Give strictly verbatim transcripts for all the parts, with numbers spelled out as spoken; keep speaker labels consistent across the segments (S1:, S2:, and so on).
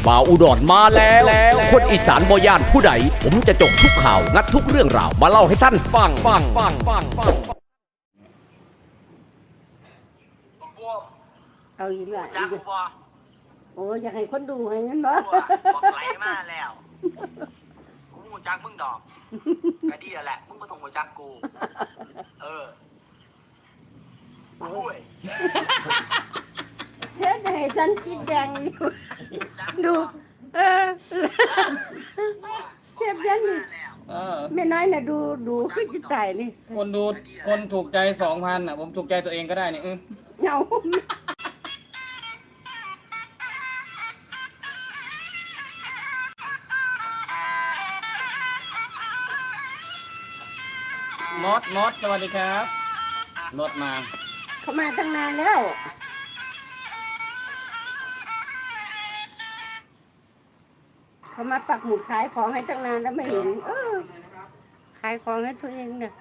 S1: บ่าวอุดรมาแล้วคนอีสานบ่ย่านผู้ใดผมจะจบทุกข่าวงัดทุกเรื่องราวมาเล่าให้ท่านฟังฟังฟังฟังฟัง
S2: เอาอีกและ
S3: จั
S2: อี
S3: ก
S2: ก
S3: บ่
S2: โอ้อยากให้คนดูให้มันบ่
S3: บอกไหลมาแล้วกูหูจักมึงดอกก็ดีแล้วแหละมึงมาต้องหูจักกูเออคุย
S2: เธอจะให้ฉันจิตแดงอยู่ดูเออเชฟยันนี่
S4: เออ
S2: แม่น้อยน่ะดูดูคือจิตตายนี่
S4: คนดูคนถูกใจสองพันอ่ะผมถูกใจตัวเองก็ได้นี่เออ
S2: เหงาม
S4: อสมอสสวัสดีครับมอสมา
S2: เขามาตั้งนานแล้วเขามาปักหมุดขายของให้ตั้งนานแล้วไม่เห็นเออขายของให้ตัวเองเนี่ย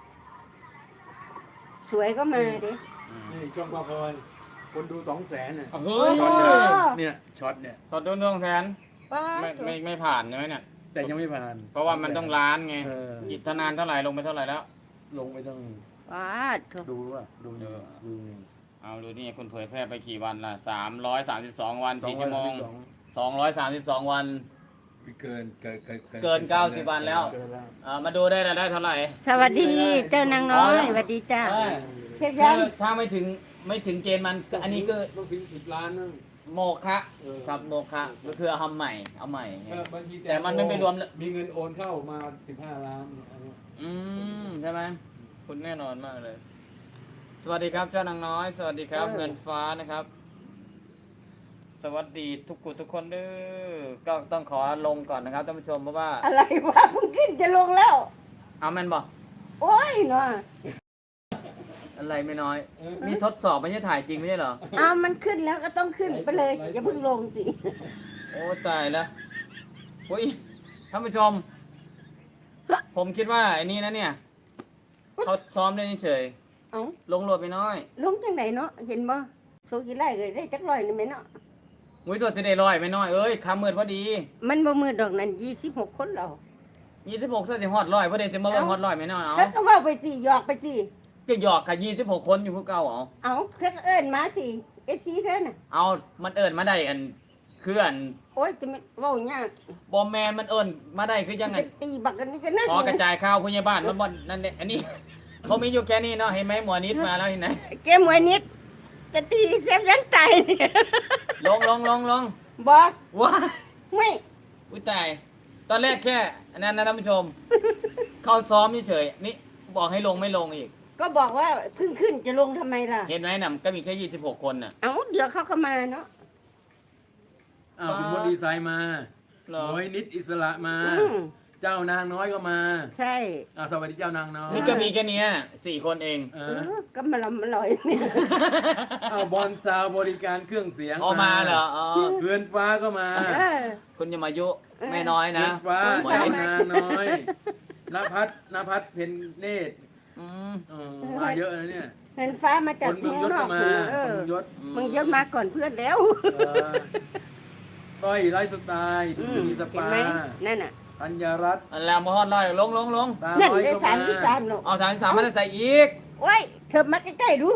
S2: สวยก็มาดิ
S5: นี่ช่องปลาพลอยคนดูสองแสนเนี่ย
S4: เฮ้ย
S5: ช็อตเนี่ยเนี่ยช็อตเนี่ย
S4: ตอดต้นดวงแสน
S2: ป้า
S4: ไม่ไม่ไม่ผ่านใช่ไหมเนี่ย
S5: แต่ยังไม่ผ่าน
S4: เพราะว่ามันต้องล้านไง
S5: เออ
S4: อิทนานเท่าไหร่ลงไปเท่าไหร่แล้ว
S5: ลงไปต้อง
S2: ป้าโถ
S5: ดูว่าดูดูดู
S4: เอาดูนี่คุณเผยแพร่ไปกี่วันล่ะสามร้อยสามสิบสองวัน
S5: สอง
S4: สี่
S5: ร้อ
S4: ชั่
S5: ยว
S4: โมง
S5: สอง
S4: สองร้อยสามสิบสองวัน
S6: เกินเกินเกิน
S4: เกินเก้าสิบวันแล้ว
S5: เกินแล้ว
S4: อ่ามาดูได้รายได้เท่าไหร่
S2: สวัสดีเจ้านางน้อยสวัสดีจ้า
S4: เออ
S2: เชฟยัน
S4: คือถ้าไม่ถึงไม่ถึงเกณฑ์มันอันนี้ก็
S5: ต้องซื้อสิบล้านนึง
S4: โมฆะ
S5: เออ
S4: ครับโมฆะก็คือเอาทำใหม่เอาใหม่
S5: เออบางที
S4: แต่มันไม่ไปรวม
S5: มีเงินโอนเข้ามาสิบห้าล้านเนี่ยอันนี้
S4: อืมใช่ไหมคุณแน่นอนมากเลย สวัสดีครับเจ้านางน้อย สวัสดีครับเงินฟ้านะครับ สวัสดีทุกคนทุกคนเด้อก็ต้องขอลงก่อนนะครับท่านผู้ชมเพราะว่า
S2: อะไรวะมึงกินจะลงแล้ว
S4: เอาแม่นบอก
S2: โอ้ยเนาะ
S4: อะไรไม่น้อย มีทดสอบไม่ใช่ถ่ายจริงไม่ใช่เหรอ
S2: อ้าวมันขึ้นแล้วก็ต้องขึ้นไปเลยอย่าเพิ่งลงสิ
S4: โอ้ตายแล้วโอ้ยท่านผู้ชม ผมคิดว่าไอ้นี่นะเนี่ยเขาซ้อมได้เฉย
S2: เอ้า
S4: ลงโหลดไปน้อย
S2: ลงจังไหนเนาะเห็นบ่โซกี่ไร่เลยได้จักร้อยนี่ไหมเนาะ
S4: มุ้ยตัวจะได้ลอยไม่น้อยเอ้ยคำมืดพอดี
S2: มันบ่มือดอกนั้นยี่สิบหกคนเรา
S4: ยี่สิบหกเส้นฮอดลอยพอดีจะมาเบิ่งฮอดลอยไม่น้อยเอา
S2: เธอก็ว่าไปสิหยอกไปสิ
S4: จะหยอกกับยี่สิบหกคนอยู่ผู้เก่าเอา
S2: เอาเธอก็เอิ้นมาสิเอฟซีเธอน่ะ
S4: เอามันเอิญมาได้อันคืออัน
S2: โอ้ยจะไม่เว้ายาก
S4: บอมแมนมันเอิญมาได้คือยังไง
S2: จะตีบักกันนี่ก็นั่น
S4: พอกระจายข้าวผู้ใหญ่บ้านมันบ่นนั่นเนี่ยอันนี้ เขามีอยู่แค่นี้เนาะเห็นไหมหมวนิดมาแล้วเห็นไหม
S2: แกมวยนิดจะตีเซฟยันตายนี่
S4: ลงลงลงลง
S2: บ่
S4: ว้า
S2: ไม่
S4: อุ้ยตายตอนแรกแค่อันนั้นนะท่านผู้ชม เขาซ้อมเฉยๆนี่บอกให้ลงไม่ลงอีก
S2: ก็บอกว่าเพิ่งขึ้นจะลงทำไมล่ะ
S4: เห็นไหมน่ะก็มีแค่ยี่สิบหกคนน่ะ
S2: เอ้าเดี๋ยวเขาก็มาเนาะ
S5: อ้าวคุณมดดีไซน์มา
S4: เหรอ
S5: โอ้ยนิดอิสระมา
S2: อืม
S5: เจ้านางน้อยก็มา
S2: ใช่
S5: อ้าวสวัสดีเจ้านางน้อย
S4: นี่ก็มีแค่เนี้ยสี่คนเอง
S5: เอ
S2: เอ
S5: อ
S2: อก็มาลำมาลอยเนี่ย
S5: อ้าวบอลซาวบริการเครื่องเสียง
S4: ออกมาเหรออ๋อ
S5: เพื่อนฟ้าก็มา
S2: เออ
S4: คุณอย่ามายุไม่น้อย
S5: เพื่
S4: นะ
S5: อนฟ้า
S4: หมว
S5: เจ้า
S4: นิด
S5: นางน้อยนภัสนภัสเพนเนตร
S4: อืม
S5: เออมาเยอะนะเนี่ย
S2: เห็นฟ้ามาจา
S5: ค
S2: ก
S5: นเมืองยศ
S2: น
S5: ก็
S2: อก
S5: มา
S2: เอ
S5: คน
S2: อ
S5: เมืองยศ
S2: มึงเยอะมาก่อนเพื่อนแล้ว
S5: เออก้อยไลฟ์สไตล์ดุษณีส
S2: เห็น
S5: ปา
S2: ไหมนั่นน่ะ
S5: ธัญรัตน์
S4: อันแล้วมาฮอดลอยลงลงลง
S5: ตา
S2: นั่น
S5: น้อย
S2: ได้
S5: ก็
S2: สาม
S5: มา
S2: ที่สามหรอก
S4: เอาสามสามมันใส่อีก
S2: โอ้ยเธอมาใกล้ๆดู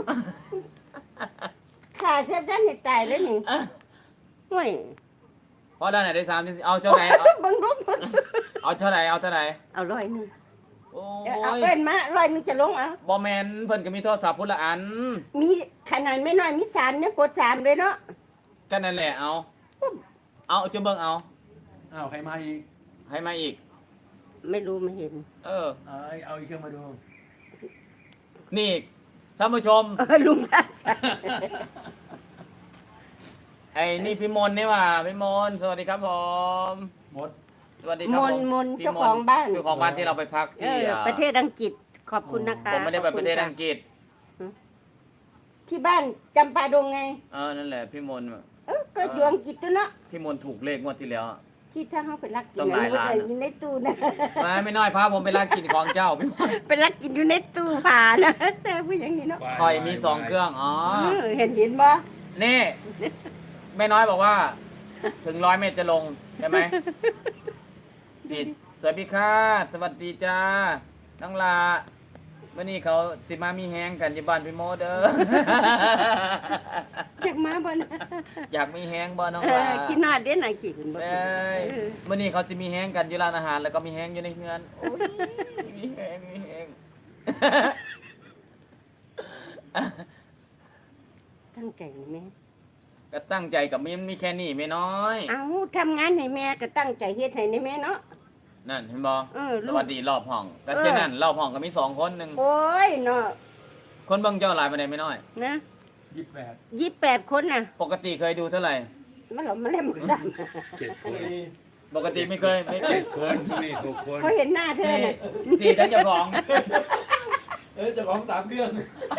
S2: ขาเชฟยันเห็นตายแล้วนี่
S4: อ่ะ
S2: ห่วย
S4: พอได้ไหนได้สามเอาเท่าไหร่เอา
S2: บังรุก
S4: เอาเท่าไหร่เอาเท่าไหร่
S2: เอาร้อยหนึง
S4: โอ้
S2: เอา
S4: ย
S2: เอิ้นมาร้อยหนึงจะลงเอา
S4: บอแมนเพิ่นก็มีโทรศัพท์พุ่นละอัน
S2: มีขนาดไม่น้อยมีสามเนี่ยกดสามเลยเนาะ
S4: ก็นั่นแหละเอา เอาจะเบิ่งเอา
S5: อ้าวใครมาอีก
S4: ให้มาอีก
S2: ไม่รู้ไม่เห็น
S4: เออ
S5: เอาเอาอีกเครื่องมาดู
S4: นี่ท่านผู้ชม
S2: เออลุงสัตว์
S4: ไอ้นี่พี่มนต์นี่ว่าพี่มนต์สวัสดีครับผม
S5: หมด
S4: สวัสดีค
S2: ม
S4: รับ
S2: น
S4: ผม
S2: มน
S4: พี่
S2: เจ้าของบ้าน
S4: เจ้าของบ้านที่เราไปพัก
S2: เอ
S4: ที่
S2: อ
S4: อ่า
S2: ประเทศอังกฤษขอบคุณนะคะ
S4: ผมไม่ได้ไปประเทศ
S2: ขบ
S4: อั
S2: คุณ
S4: งกฤษ
S2: ค่ะที่บ้านจำปาดงไง
S4: เออนั่นแหละพี่มนต์
S2: เออก็อยู่อังกฤษตัวเนาะ
S4: พี่มนต์ถูกเลขงวดที่แล้วอะ
S2: ที่ถ้าเขาไปรักกิน
S4: ต้องหลายล้าน
S2: อะไรอยู่ในตู้นะ
S4: ไม่ไม่น้อยพาผมไปลากกินของเจ้าพี่มนต์
S2: ไปรักกินอยู่ในตู้ผ่านะแซ่บผู้อย่างนี้เนาะ
S4: คอยมีสองเครื่องอ๋อ
S2: เออเห็นเห็นบ่
S4: นี่แม่น้อยบอกว่าถึงร้อยเมตรจะลงใช่ไหมนี่สวัสดีค่ะสวัสดีจ้าน้องลาเมื่อนี้เขาสิมามีแฮงกันอยู่บ้านพี่โมเด้อ
S2: อยากมาบ่นะ
S4: อยากมีแฮงบ่น้อง
S2: เอ
S4: ลา
S2: อกินหน้าเด่นไหนกินบ่
S4: เอ้ยเมื่อนี้เขาสิมีแฮงกันอยู่ร้านอาหาร แล้วก็มีแฮงอยู่ในเฮือนโอ้ยมีแฮงมีแฮง
S2: ตั้งใจแม่
S4: ก็ตั้งใจกับมีมีแค่นี้ไม่น้อย
S2: เอาทำงานให้แม่ก็ตั้งใจเฮ็ดให้ในแม่เนาะ
S4: นั่นเห็นบ่
S2: เออลู
S4: ส
S2: ก
S4: วัสดีรอบห้องก็
S2: เออ
S4: แค่นั้นรอบห้องก็มีสองคนหนึ่ง
S2: โอ้ยเนาะ
S4: คนเบิ่งเจ้าหลายไปไหนไม่น้อย
S2: นะ
S5: ยี่สิบแปด
S2: ยี่สิบแปดคนน่ะ
S4: ปกติเคยดูเท่าไหร่
S2: มันหลอมมาเล่มจ
S6: เจ็ดคน
S4: ปกติไม่เคยไม่เค
S6: เจ็
S4: ย
S6: ดคนนี่หกคน
S2: ำเขาเห็นหน้าเธอ
S4: สี่
S2: น่ะ
S4: สี่ทั้งเจ้าของ
S5: เออเจะของสามเครื่อง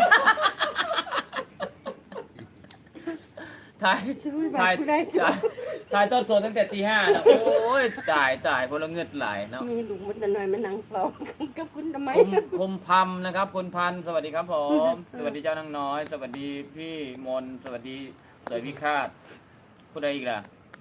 S4: ถ่าย
S2: ซื้อบั
S4: ถ่าย
S2: ตรผู้ใด
S4: ถ่ายถ่ายต้นสดตั้งแต่ตีห้านะโอ้ยจ่ายจ่ายพลเงือดไหลเนาะ
S2: มีลูกมันจะหน่อยมานั่งเฝ้ากับคุณทำไม
S4: คุมคุมพัมนะครับคุณพันธุ์สวัสดีครับผม สวัสดีเจ้านางน้อย สวัสดีพี่มนต์สวัสดีสวยพิฆาตผู้ใดอีกล่ะ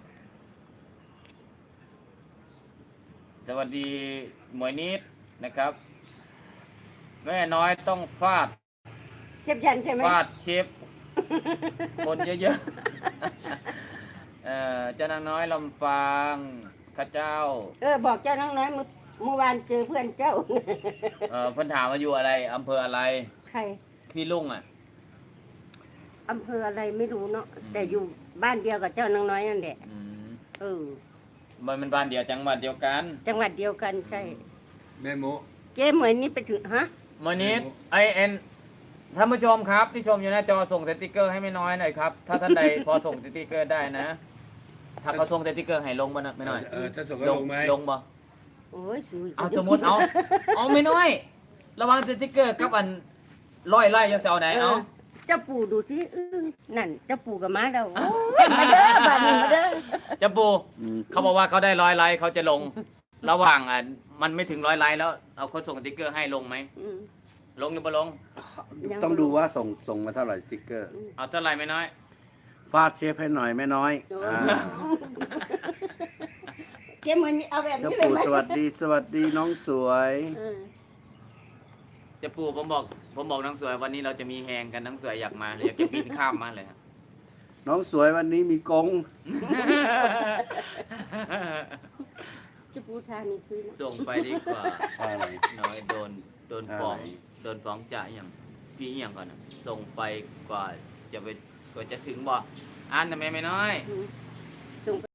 S4: สวัสดีหมวยนิดนะครับ แม่น้อยต้องฟาด
S2: เชฟยันใช่ไหม
S4: ฟาดเชฟคนเยอะๆ เอ่อเจ้านางน้อยลำปางข้าเจ้า
S2: เออบอกเจ้าน้องน้อยเมื่อเมื่อวานเจอเพื่อนเจ้า
S4: เอ่อเพิ่นถามว่าอยู่อะไรอำเภออะไร
S2: ใคร
S4: พี่ลุงอ่ะ
S2: อำเภออะไรไม่รู้เนาะ
S4: อืม
S2: แต่อยู่บ้านเดียวกับเจ้าน้องน้อยนั่นแหละ
S4: อืม
S2: เออ
S4: มันเป็นบ้านเดียวจังหวัดเดียวกัน
S2: จังหวัดเดียวกันใช่
S6: แม่โม
S2: เจ๊เหมือนนี่ไปถึงฮะ
S4: มอนิดไอเอ็นท่านผู้ชมครับที่ชมอยู่หน้าจอส่งสติกเกอร์ให้ไม่น้อยหน่อยครับ ถ้าท่านใด พอส่งสติกเกอร์ได้นะ ถ้าเขาส่งสติกเกอร์ให้ลงบ่นะไม่น้อย
S6: เออถ้าส่งก็ลงไหม
S4: ลงบ่
S2: โอ้ยสู
S4: เอาสมมติเอาเอาไม่น้อย ระหวังสติกเกอร์กับอันร้อยไล่จะเอาไหนเอา
S2: เจ้าปู่ดูสิอื้อนั่นเจ้าปู่กับม้าเราโอ้ยมาเด้อบ้านนี้มาเด้อ
S4: จะปูเขาบอกว่าเขาได้ร้อยไลค์เขาจะลง ระหว่างอ่ะมันไม่ถึงร้อยไลค์แล้วเอาคนส่งสติกเกอร์ให้ลงไหม
S2: อืม
S4: ลงหรือไม่ลง
S2: ยัง
S7: ต้องดูว่าส่งส่งมาเท่าไหร่สติกเกอร์
S4: เอาเท่าไหร่ไม่น้อย
S7: ฟาดเชฟให้หน่อยแม่น้อย
S2: โอ้
S7: อ่า
S2: เจ๊เหมือนเอาแบบ
S7: เจ้า
S2: นี้เลย
S7: ปู่
S2: ไหม
S7: สวัสดีสวัสดีน้องสวย
S2: เออ
S4: จะปูผมบอกผมบอกน้องสวยวันนี้เราจะมีแฮงกันน้องสวยอยากมาอยากจะบินข้ามมาเลยครับ
S7: น้องสวยวันนี้มีกง
S2: เจ้าปู่ทานี่คือนะ
S4: ส่งไปดีกว่า
S7: อะไร
S4: น้อยโดนโดนฟ้อง
S7: อะไร
S4: โดนฟ้องจ่าอย่างพี่อหย่างก่อนนะส่งไปกว่าจะไปกว่าจะถึงบ่อ่านทำไมไม่น้อย
S2: อืมส่ง